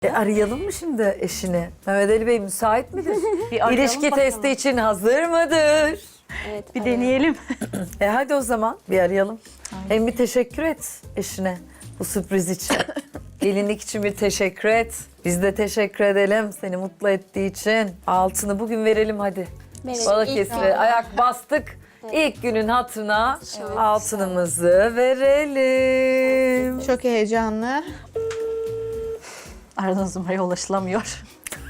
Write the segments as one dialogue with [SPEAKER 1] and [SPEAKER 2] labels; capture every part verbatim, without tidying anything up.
[SPEAKER 1] E arayalım mı şimdi eşini? Mehmet Ali Bey müsait midir?
[SPEAKER 2] Bir arayalım
[SPEAKER 1] İlişki
[SPEAKER 2] bakalım.
[SPEAKER 1] testi için hazır mıdır?
[SPEAKER 3] Evet,
[SPEAKER 2] Bir deneyelim.
[SPEAKER 1] E hadi o zaman bir arayalım. Hem bir teşekkür et eşine bu sürpriz için. Gelinlik için bir teşekkür et. Biz de teşekkür edelim seni mutlu ettiği için. Altını bugün verelim hadi.
[SPEAKER 3] Verelim.
[SPEAKER 1] Balıkesir'e
[SPEAKER 3] İlk-
[SPEAKER 1] ayak bastık. İlk günün hatırına altınımızı verelim.
[SPEAKER 4] Çok heyecanlı.
[SPEAKER 2] Aradığınız numaraya ulaşılamıyor.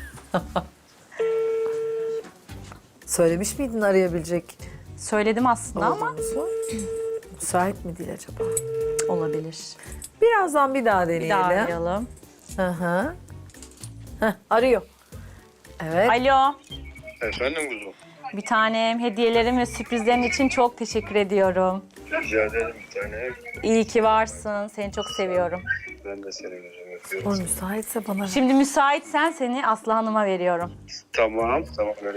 [SPEAKER 1] Söylemiş miydin arayabilecek
[SPEAKER 2] Söyledim aslında ama
[SPEAKER 1] olduğumuzu? Müsait mi değil acaba?
[SPEAKER 2] olabilir.
[SPEAKER 1] Birazdan bir daha
[SPEAKER 2] Bir
[SPEAKER 1] deneyelim.
[SPEAKER 2] daha arayalım.
[SPEAKER 1] Hı hı. Heh, arıyor. Evet.
[SPEAKER 2] Alo.
[SPEAKER 5] Efendim kuzum.
[SPEAKER 2] Bir tanem hediyelerim ve sürprizlerin için çok teşekkür ediyorum.
[SPEAKER 5] Rica ederim bir tane.
[SPEAKER 2] İyi ki varsın. Seni çok seviyorum.
[SPEAKER 5] Ben de seni gözüm
[SPEAKER 1] O
[SPEAKER 5] öpüyorum.
[SPEAKER 1] müsaitse bana ver.
[SPEAKER 2] Şimdi müsaitsen seni Aslı Hanım'a veriyorum.
[SPEAKER 5] Tamam, tamam öyle.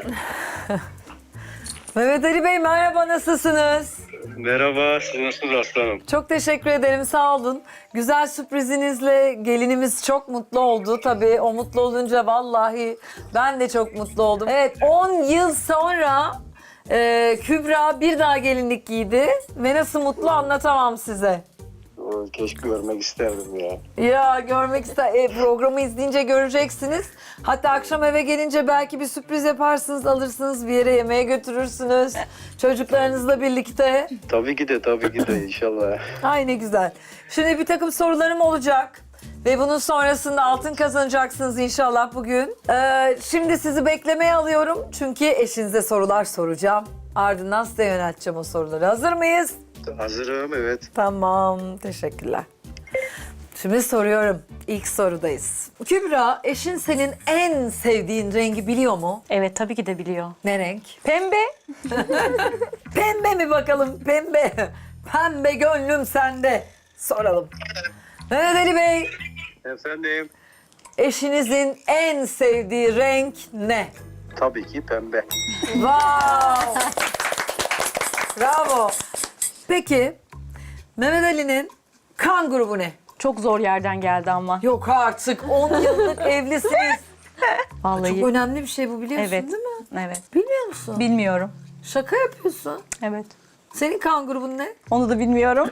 [SPEAKER 1] Mehmet Ali Bey merhaba, nasılsınız?
[SPEAKER 5] Merhaba, siz nasılsınız aslanım?
[SPEAKER 1] Çok teşekkür ederim, sağ olun. Güzel sürprizinizle gelinimiz çok mutlu oldu. Tabii o mutlu olunca vallahi ben de çok mutlu oldum. Evet, on yıl sonra e, Kübra bir daha gelinlik giydi ve nasıl mutlu anlatamam size.
[SPEAKER 5] Oo, Keşke görmek isterdim ya.
[SPEAKER 1] Ya görmek ister. E, programı izleyince göreceksiniz. Hatta akşam eve gelince belki bir sürpriz yaparsınız, alırsınız bir yere yemeğe götürürsünüz. Çocuklarınızla birlikte.
[SPEAKER 5] Tabii ki de, tabii ki de inşallah.
[SPEAKER 1] Ay ne güzel. Şimdi bir takım sorularım olacak. Ve bunun sonrasında altın kazanacaksınız inşallah bugün. Ee, şimdi sizi beklemeye alıyorum. Çünkü eşinize sorular soracağım. Ardından size yönelteceğim o soruları. Hazır mıyız?
[SPEAKER 5] Hazırım, evet.
[SPEAKER 1] Tamam, teşekkürler. Şimdi soruyorum. İlk sorudayız. Kübra, eşin senin en sevdiğin rengi biliyor mu?
[SPEAKER 2] Evet tabii ki de biliyor.
[SPEAKER 1] Ne renk?
[SPEAKER 2] Pembe.
[SPEAKER 1] Pembe mi bakalım? Pembe. Pembe gönlüm sende. Soralım. Mehmet Ali Bey,
[SPEAKER 5] Efendim?
[SPEAKER 1] eşinizin en sevdiği renk ne?
[SPEAKER 5] Tabii ki pembe.
[SPEAKER 1] Wow! Bravo. Peki, Mehmet Ali'nin kan grubu ne?
[SPEAKER 2] Çok zor yerden geldi ama.
[SPEAKER 1] Yok artık, on yıllık evlisiniz.
[SPEAKER 2] Vallahi.
[SPEAKER 1] Çok önemli bir şey bu, biliyorsun
[SPEAKER 2] Evet.
[SPEAKER 1] değil mi?
[SPEAKER 2] Evet.
[SPEAKER 1] Bilmiyor musun?
[SPEAKER 2] Bilmiyorum.
[SPEAKER 1] Şaka yapıyorsun.
[SPEAKER 2] Evet.
[SPEAKER 1] Senin kan grubun ne?
[SPEAKER 2] Onu da bilmiyorum.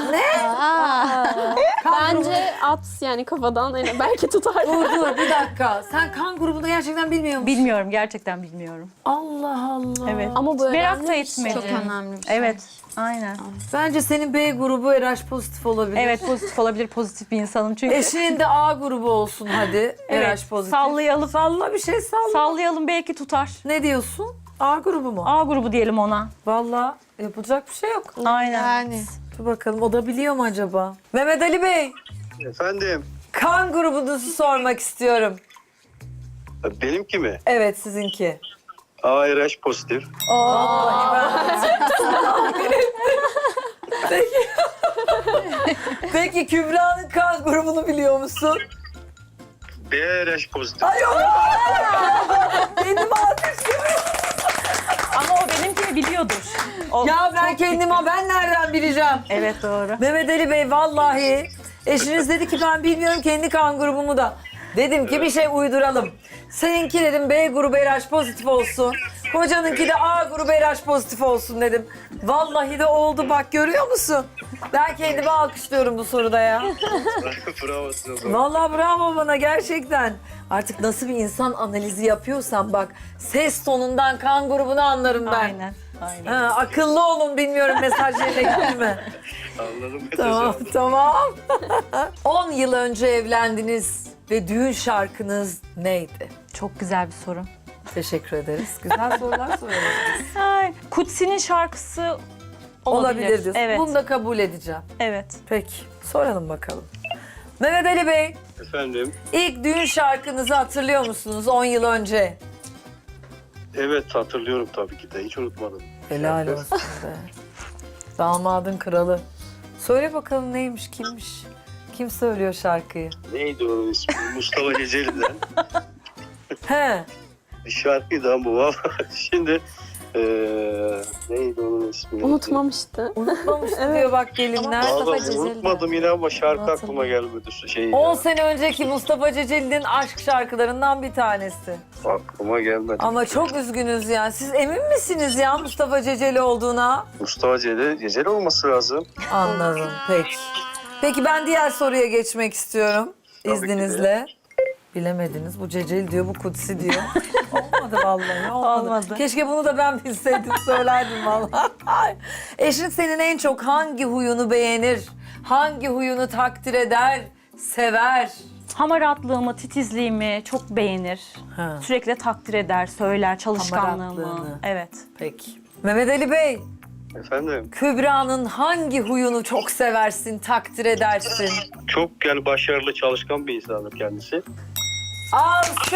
[SPEAKER 3] Bence at yani kafadan yani belki tutar.
[SPEAKER 1] Dur dur bir dakika. Sen kan grubunu gerçekten bilmiyor musun?
[SPEAKER 2] Bilmiyorum. Gerçekten bilmiyorum.
[SPEAKER 1] Allah Allah.
[SPEAKER 2] Evet.
[SPEAKER 3] Ama bu
[SPEAKER 2] Merak
[SPEAKER 3] önemli
[SPEAKER 2] da
[SPEAKER 3] bir şey.
[SPEAKER 2] etmedim.
[SPEAKER 3] Çok önemli bir şey.
[SPEAKER 2] Evet. Aynen.
[SPEAKER 1] Bence senin B grubu R H pozitif olabilir.
[SPEAKER 2] Evet pozitif olabilir. Pozitif bir insanım çünkü.
[SPEAKER 1] Eşinin de A grubu olsun hadi.
[SPEAKER 2] Evet,
[SPEAKER 1] R H pozitif.
[SPEAKER 2] sallayalım.
[SPEAKER 1] Salla bir şey salla.
[SPEAKER 2] Sallayalım belki tutar.
[SPEAKER 1] Ne diyorsun? A grubu mu?
[SPEAKER 2] A grubu diyelim ona.
[SPEAKER 1] Vallahi yapılacak bir şey yok.
[SPEAKER 2] Aynen.
[SPEAKER 4] Yani.
[SPEAKER 1] Dur bakalım o da biliyor mu acaba? Mehmet Ali Bey,
[SPEAKER 5] Efendim?
[SPEAKER 1] kan grubunuzu sormak istiyorum.
[SPEAKER 5] Benimki mi?
[SPEAKER 1] Evet sizinki.
[SPEAKER 5] A R H pozitif.
[SPEAKER 1] Peki. Peki Kübra'nın kan grubunu biliyor musun?
[SPEAKER 5] B R H pozitif.
[SPEAKER 1] Ay yok. Kendimi alkışlıyorum.
[SPEAKER 2] Ama o benimkini biliyordur. O
[SPEAKER 1] Ya ben
[SPEAKER 2] çok-
[SPEAKER 1] kendime ben nereden bileceğim?
[SPEAKER 2] Evet doğru.
[SPEAKER 1] Mehmet Ali Bey vallahi eşiniz dedi ki ben bilmiyorum kendi kan grubumu da. Dedim ki bir şey uyduralım. Seninki dedim B grubu R H pozitif olsun. Kocanınki de A grubu R H pozitif olsun dedim. Vallahi de oldu bak görüyor musun? Ben kendimi alkışlıyorum bu soruda ya.
[SPEAKER 5] Bravo size.
[SPEAKER 1] Vallahi bravo bana gerçekten. Artık nasıl bir insan analizi yapıyorsan bak ses tonundan kan grubunu anlarım ben.
[SPEAKER 2] Aynen. Aynen.
[SPEAKER 1] Ha, akıllı olun bilmiyorum mesaj yerine gitti mi?
[SPEAKER 5] Anladım.
[SPEAKER 1] Tamam, tamam. on yıl önce evlendiniz ve düğün şarkınız neydi?
[SPEAKER 2] Çok güzel bir soru.
[SPEAKER 1] Teşekkür ederiz. Güzel sorular soruyorsunuz.
[SPEAKER 2] Ay, Kutsi'nin şarkısı olabilir.
[SPEAKER 1] Olabilir diyorsun.
[SPEAKER 2] Evet.
[SPEAKER 1] Bunu da kabul edeceğim.
[SPEAKER 2] Evet.
[SPEAKER 1] Peki, soralım bakalım. Mehmet Ali Bey,
[SPEAKER 5] Efendim?
[SPEAKER 1] ilk düğün şarkınızı hatırlıyor musunuz on yıl önce?
[SPEAKER 5] Evet hatırlıyorum tabii ki de. Hiç unutmadım.
[SPEAKER 1] Helal olsun be. Damadın kralı. Söyle bakalım neymiş, kimmiş? Kim söylüyor şarkıyı?
[SPEAKER 5] Neydi onun ismi? Mustafa Ceceli'den.
[SPEAKER 1] He,
[SPEAKER 5] Bir şarkıydı ama bu valla. Şimdi Ee, neydi onun ismi?
[SPEAKER 3] Unutmamıştı.
[SPEAKER 1] Unutmamış diyor bak gelinler.
[SPEAKER 5] Vallahi unutmadım yine ama şarkı aklıma gelmedi. Şey
[SPEAKER 1] on
[SPEAKER 5] ya,
[SPEAKER 1] sene önceki Mustafa Ceceli'nin aşk şarkılarından bir tanesi.
[SPEAKER 5] aklıma gelmedi.
[SPEAKER 1] Ama çok üzgünüz ya. Siz emin misiniz ya Mustafa Ceceli olduğuna?
[SPEAKER 5] Mustafa Ceceli, Ceceli olması lazım.
[SPEAKER 1] Anladım. Peki. Peki ben diğer soruya geçmek istiyorum.
[SPEAKER 5] Tabii ki de.
[SPEAKER 1] İzninizle. Bilemediniz. Bu Ceceli diyor, bu Kutsi diyor. Olmadı vallahi. Olmadı.
[SPEAKER 2] Olmadı.
[SPEAKER 1] Keşke bunu da ben bilseydim, söylerdim vallahi. Eşin senin en çok hangi huyunu beğenir? Hangi huyunu takdir eder, sever?
[SPEAKER 2] Hamaratlığımı, titizliğimi çok beğenir.
[SPEAKER 1] Ha.
[SPEAKER 2] Sürekli takdir eder, söyler, çalışkanlığımı.
[SPEAKER 1] Hamaratlığını.
[SPEAKER 2] Evet.
[SPEAKER 1] Peki. Mehmet Ali Bey,
[SPEAKER 5] Efendim,
[SPEAKER 1] Kübra'nın hangi huyunu çok seversin, takdir edersin?
[SPEAKER 5] çok yani başarılı, çalışkan bir insandır kendisi.
[SPEAKER 1] Alkış!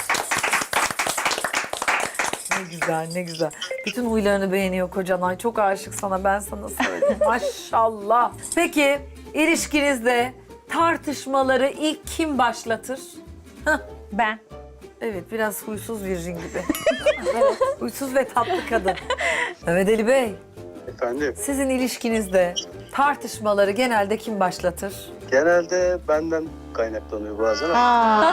[SPEAKER 1] Ne güzel, ne güzel. Bütün huylarını beğeniyor kocan. Ay çok aşık sana, ben sana söyleyeyim. Maşallah. Peki, ilişkinizde tartışmaları ilk kim başlatır? Hah,
[SPEAKER 2] Ben.
[SPEAKER 1] evet, biraz huysuz virjin gibi. Evet, huysuz ve tatlı kadın. Mehmet Ali Bey,
[SPEAKER 5] Efendim,
[SPEAKER 1] sizin ilişkinizde tartışmaları genelde kim başlatır?
[SPEAKER 5] genelde benden kaynaklanıyor bazen ama,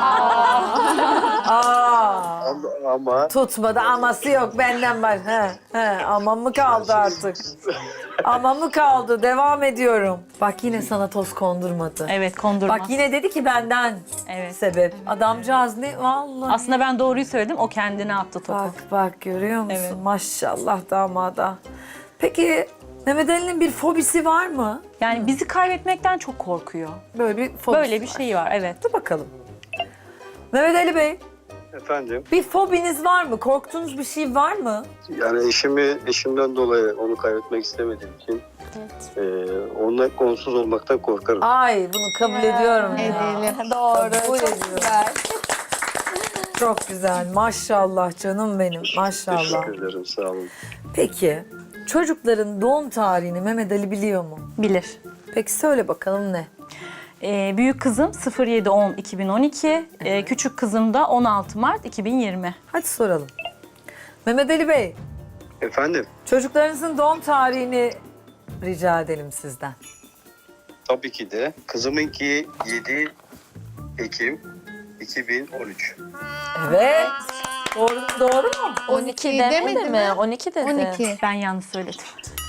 [SPEAKER 1] Aa,
[SPEAKER 5] ama, ama
[SPEAKER 1] tutmadı, aması yok benden var. He, he, aman mı kaldı artık? Aman mı kaldı? Devam ediyorum. Bak yine sana toz kondurmadı.
[SPEAKER 2] Evet, kondurmaz.
[SPEAKER 1] Bak yine dedi ki benden
[SPEAKER 2] Evet.
[SPEAKER 1] sebep. Adamcağız ne vallahi.
[SPEAKER 2] Aslında ben doğruyu söyledim, o kendine attı topu.
[SPEAKER 1] Bak bak görüyor musun?
[SPEAKER 2] Evet.
[SPEAKER 1] Maşallah damada. Peki Mehmet Ali'nin bir fobisi var mı?
[SPEAKER 2] Yani bizi kaybetmekten çok korkuyor.
[SPEAKER 1] Böyle bir fobisi
[SPEAKER 2] Böyle bir
[SPEAKER 1] var.
[SPEAKER 2] şey var, evet.
[SPEAKER 1] Dur bakalım. Mehmet Ali Bey,
[SPEAKER 5] efendim,
[SPEAKER 1] bir fobiniz var mı? Korktuğunuz bir şey var mı?
[SPEAKER 5] yani eşimi, eşimden dolayı onu kaybetmek istemediğim için e, onunla konsuz olmaktan korkarım.
[SPEAKER 1] Ay bunu kabul ediyorum ya.
[SPEAKER 4] Edelim. Doğru.
[SPEAKER 1] Kabul
[SPEAKER 4] Çok
[SPEAKER 1] ediyorum.
[SPEAKER 4] güzel.
[SPEAKER 1] Çok güzel. Maşallah canım benim. Maşallah.
[SPEAKER 5] Teşekkür ederim, sağ olun.
[SPEAKER 1] Peki çocukların doğum tarihini Mehmet Ali biliyor mu?
[SPEAKER 2] Bilir.
[SPEAKER 1] Peki söyle bakalım ne?
[SPEAKER 2] Ee, büyük kızım sıfır yedi on iki bin on iki, ee, küçük kızım da on altı Mart iki bin yirmi.
[SPEAKER 1] Hadi soralım. Mehmet Ali Bey,
[SPEAKER 5] Efendim,
[SPEAKER 1] çocuklarınızın doğum tarihini rica edelim sizden.
[SPEAKER 5] tabii ki de kızımınki yedi Ekim iki bin on üç.
[SPEAKER 1] Evet. Doğru, doğru mu?
[SPEAKER 4] on iki demedi mi?
[SPEAKER 6] on iki dedi.
[SPEAKER 4] on iki.
[SPEAKER 2] Ben yanlış söyledim.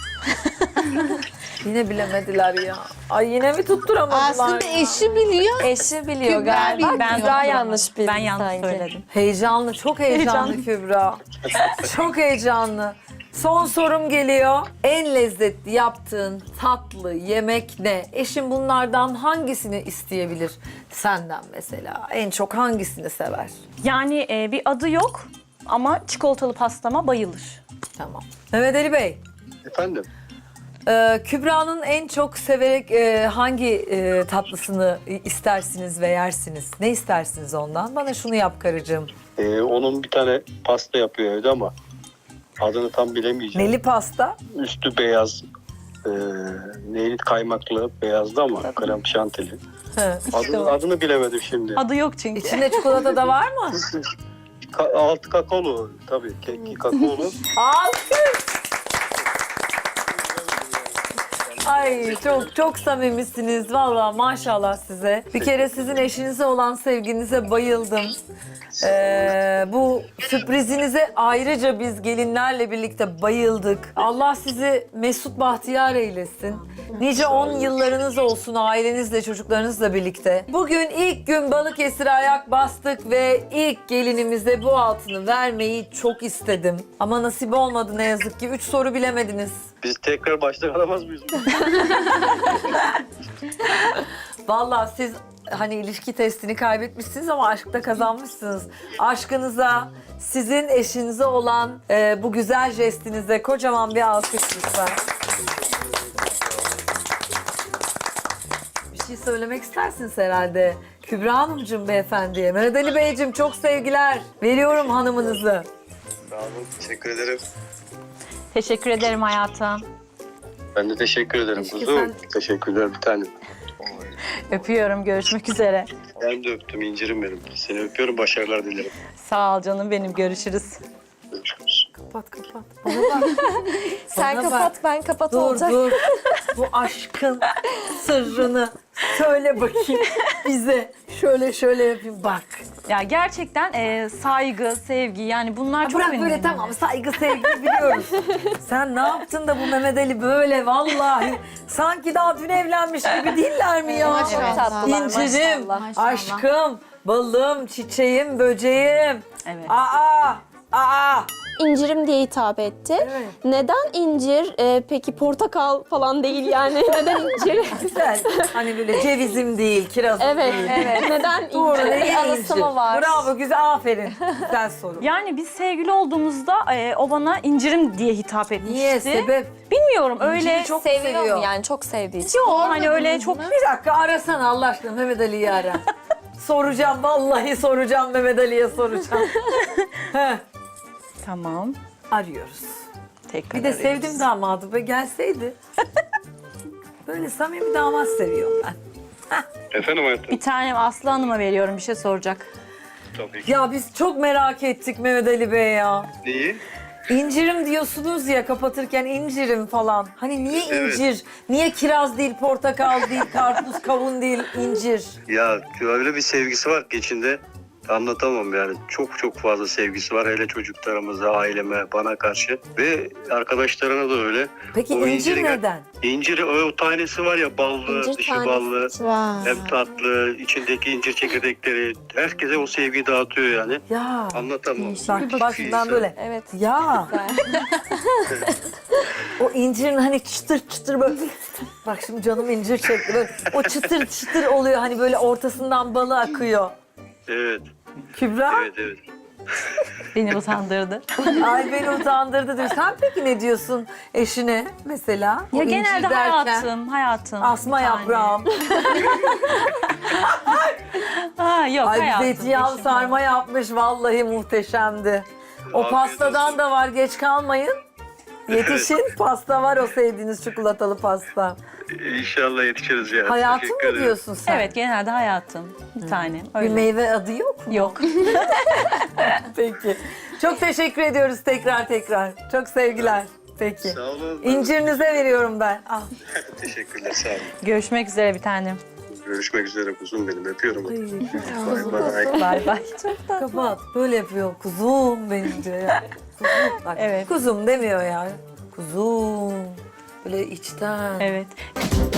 [SPEAKER 1] Yine bilemediler ya. Ay yine mi tutturamadılar?
[SPEAKER 4] Aslında eşi biliyor.
[SPEAKER 6] Eşi biliyor
[SPEAKER 4] Kübra
[SPEAKER 6] galiba.
[SPEAKER 4] bilmiyor.
[SPEAKER 6] Ben daha yanlış bildim
[SPEAKER 2] Ben yanlış
[SPEAKER 6] sanki.
[SPEAKER 2] söyledim.
[SPEAKER 1] Heyecanlı, çok heyecanlı,
[SPEAKER 2] Heyecanlı.
[SPEAKER 1] Kübra. Çok heyecanlı. Son sorum geliyor. En lezzetli yaptığın tatlı yemek ne? Eşin bunlardan hangisini isteyebilir senden mesela? En çok hangisini sever?
[SPEAKER 2] Yani e, bir adı yok ama çikolatalı pastama bayılır.
[SPEAKER 1] Tamam. Mehmet Ali Bey,
[SPEAKER 5] Efendim,
[SPEAKER 1] e, Kübra'nın en çok severek e, hangi e, tatlısını istersiniz ve yersiniz? Ne istersiniz ondan? Bana şunu yap karıcığım.
[SPEAKER 5] e, onun bir tane pasta yapıyor evde ama adını tam bilemeyeceğim.
[SPEAKER 1] Neli pasta?
[SPEAKER 5] Üstü beyaz, e, neyli kaymaklı, beyazdı ama krem şantili.
[SPEAKER 1] Hı, işte
[SPEAKER 5] Adını,
[SPEAKER 1] o.
[SPEAKER 5] adını bilemedim şimdi.
[SPEAKER 2] Adı yok çünkü.
[SPEAKER 1] İçinde çikolata da var mı?
[SPEAKER 5] Ka- altı kakaolu tabii, keki kakaolu.
[SPEAKER 1] Alkış! Ay çok çok samimisiniz valla maşallah size. Bir kere sizin eşinize olan sevginize bayıldım. Ee, bu sürprizinize ayrıca biz gelinlerle birlikte bayıldık. Allah sizi mesut bahtiyar eylesin. Nice on yıllarınız olsun ailenizle, çocuklarınızla birlikte. Bugün ilk gün Balıkesir'e ayak bastık ve ilk gelinimize bu altını vermeyi çok istedim. Ama nasip olmadı ne yazık ki. Üç soru bilemediniz.
[SPEAKER 5] Biz tekrar baştan alamaz mıyız?
[SPEAKER 1] Vallahi siz hani ilişki testini kaybetmişsiniz ama aşkta kazanmışsınız. Aşkınıza, sizin eşinize olan e, bu güzel jestinize kocaman bir alkış lütfen. Bir şey söylemek istersiniz herhalde. Kübra Hanımcığım beyefendiye. Mehmet Ali Beyciğim çok sevgiler. Veriyorum hanımınızı.
[SPEAKER 5] Sağ olun, teşekkür ederim.
[SPEAKER 2] Teşekkür ederim hayatım.
[SPEAKER 5] Ben de teşekkür ederim
[SPEAKER 1] Keşke
[SPEAKER 5] kuzum.
[SPEAKER 1] sen-
[SPEAKER 5] Teşekkürler bir tanem.
[SPEAKER 2] Öpüyorum. Görüşmek üzere.
[SPEAKER 5] Ben de öptüm, incirim benim. Seni öpüyorum, başarılar dilerim.
[SPEAKER 2] Sağ ol canım benim. Görüşürüz.
[SPEAKER 5] Görüşürüz.
[SPEAKER 1] kapat kapat. Bana bak.
[SPEAKER 4] Sen
[SPEAKER 1] Bana
[SPEAKER 4] kapat
[SPEAKER 1] bak.
[SPEAKER 4] ben kapat
[SPEAKER 1] Dur
[SPEAKER 4] olacak.
[SPEAKER 1] dur. Bu aşkın sırrını söyle bakayım bize. Şöyle şöyle yapayım bak.
[SPEAKER 2] Ya gerçekten e, saygı, sevgi yani bunlar
[SPEAKER 1] Ha,
[SPEAKER 2] çok
[SPEAKER 1] bırak
[SPEAKER 2] önemli.
[SPEAKER 1] böyle tamam saygı sevgi biliyoruz. Sen ne yaptın da bu Mehmet Ali böyle vallahi sanki daha dün evlenmiş gibi değiller mi ya?
[SPEAKER 4] Maşallah.
[SPEAKER 2] Evet.
[SPEAKER 4] tatlılar,
[SPEAKER 1] İncirim,
[SPEAKER 4] maşallah.
[SPEAKER 1] aşkım, balım, çiçeğim, böceğim.
[SPEAKER 2] Evet.
[SPEAKER 1] Aa, aa.
[SPEAKER 3] İncirim diye hitap etti.
[SPEAKER 1] Evet.
[SPEAKER 3] Neden incir? Ee, peki portakal falan değil yani. Neden incir?
[SPEAKER 1] Güzel. Hani böyle cevizim değil, kirazım
[SPEAKER 3] Evet.
[SPEAKER 1] değil.
[SPEAKER 3] evet. Neden
[SPEAKER 1] Doğru,
[SPEAKER 3] incir?
[SPEAKER 1] ne
[SPEAKER 4] anısı mı var?
[SPEAKER 1] Bravo, güzel, aferin. Güzel soru.
[SPEAKER 2] Yani biz sevgili olduğumuzda e, o bana incirim diye hitap etmişti.
[SPEAKER 1] Niye, sebep?
[SPEAKER 2] Bilmiyorum öyle.
[SPEAKER 1] İnciri çok
[SPEAKER 4] Seviyor
[SPEAKER 1] seviyor.
[SPEAKER 4] mu yani çok sevdiği için?
[SPEAKER 2] Yok hani öyle çok
[SPEAKER 1] Bir dakika arasana Allah aşkına Mehmet Ali'yi ara. Soracağım, vallahi soracağım Mehmet Ali'ye soracağım. Heh,
[SPEAKER 2] Tamam.
[SPEAKER 1] arıyoruz.
[SPEAKER 2] Tekrar
[SPEAKER 1] Bir de
[SPEAKER 2] arıyoruz.
[SPEAKER 1] sevdim damadı be gelseydi. Böyle samimi damat seviyorum ben.
[SPEAKER 5] Efendim hayatım?
[SPEAKER 2] Bir tanem Aslı Hanım'a veriyorum bir şey soracak.
[SPEAKER 5] Tabii ki.
[SPEAKER 1] Ya biz çok merak ettik Mehmet Ali Bey ya.
[SPEAKER 5] Neyi?
[SPEAKER 1] İncirim diyorsunuz ya kapatırken incirim falan. Hani niye
[SPEAKER 5] Evet.
[SPEAKER 1] incir? Niye kiraz değil, portakal değil, karpuz, kavun değil, incir?
[SPEAKER 5] Ya öyle bir sevgisi var ki içinde. Anlatamam yani. Çok çok fazla sevgisi var. Hele çocuklarımıza, aileme, bana karşı. Ve arkadaşlarına da öyle.
[SPEAKER 1] Peki
[SPEAKER 5] O
[SPEAKER 1] incir
[SPEAKER 5] inciri-
[SPEAKER 1] neden?
[SPEAKER 5] İnciri o tanesi var ya ballı,
[SPEAKER 3] İncir
[SPEAKER 5] dışı
[SPEAKER 3] tanesi.
[SPEAKER 5] ballı.
[SPEAKER 4] Vay.
[SPEAKER 5] Hem tatlı, içindeki incir çekirdekleri. Herkese o sevgiyi dağıtıyor yani.
[SPEAKER 1] Ya
[SPEAKER 5] Anlatamam.
[SPEAKER 1] bak başından böyle.
[SPEAKER 4] Evet.
[SPEAKER 1] Ya. O incirin hani çıtır çıtır böyle. Bak şimdi canım incir çekti. Böyle, o çıtır çıtır oluyor hani böyle ortasından balı akıyor.
[SPEAKER 5] Evet,
[SPEAKER 1] Kübra,
[SPEAKER 5] evet, evet.
[SPEAKER 2] Beni utandırdı.
[SPEAKER 1] ay beni utandırdı diyor. Sen peki ne diyorsun eşine mesela? O
[SPEAKER 2] Ya
[SPEAKER 1] incir
[SPEAKER 2] genelde
[SPEAKER 1] derken,
[SPEAKER 2] hayatım, hayatım.
[SPEAKER 1] Asma
[SPEAKER 2] bir tane.
[SPEAKER 1] yaprağım.
[SPEAKER 2] Ha, yok
[SPEAKER 1] Ay
[SPEAKER 2] hayatım.
[SPEAKER 1] zeytinyağlı
[SPEAKER 2] eşim.
[SPEAKER 1] sarma yapmış vallahi muhteşemdi. O
[SPEAKER 5] Afiyet
[SPEAKER 1] pastadan
[SPEAKER 5] olsun.
[SPEAKER 1] da var geç kalmayın. Yetişin pasta var o sevdiğiniz çikolatalı pasta.
[SPEAKER 5] İnşallah yetişiriz ya.
[SPEAKER 1] Hayatım
[SPEAKER 5] Teşekkür
[SPEAKER 1] mı
[SPEAKER 5] ederim.
[SPEAKER 1] diyorsun sen?
[SPEAKER 2] Evet genelde hayatım. Bir tanem.
[SPEAKER 1] Bir
[SPEAKER 2] Öyle.
[SPEAKER 1] meyve adı yok mu?
[SPEAKER 2] Yok.
[SPEAKER 1] Peki. Çok teşekkür ediyoruz tekrar tekrar. Çok sevgiler. Peki.
[SPEAKER 5] Sağ olun.
[SPEAKER 1] İncirinize veriyorum ben. Ah.
[SPEAKER 5] Teşekkürler, sağ olun.
[SPEAKER 2] Görüşmek üzere bir tanem.
[SPEAKER 5] Görüşmek üzere kuzum benim. Öpüyorum.
[SPEAKER 1] Ay,
[SPEAKER 5] Bay bay.
[SPEAKER 2] Bay bay.
[SPEAKER 1] kapat. Böyle yapıyor. Kuzum benim diyor ya. Kuzum. Bak,
[SPEAKER 2] Evet.
[SPEAKER 1] Kuzum demiyor ya. Kuzum. Böyle içten.
[SPEAKER 2] Evet.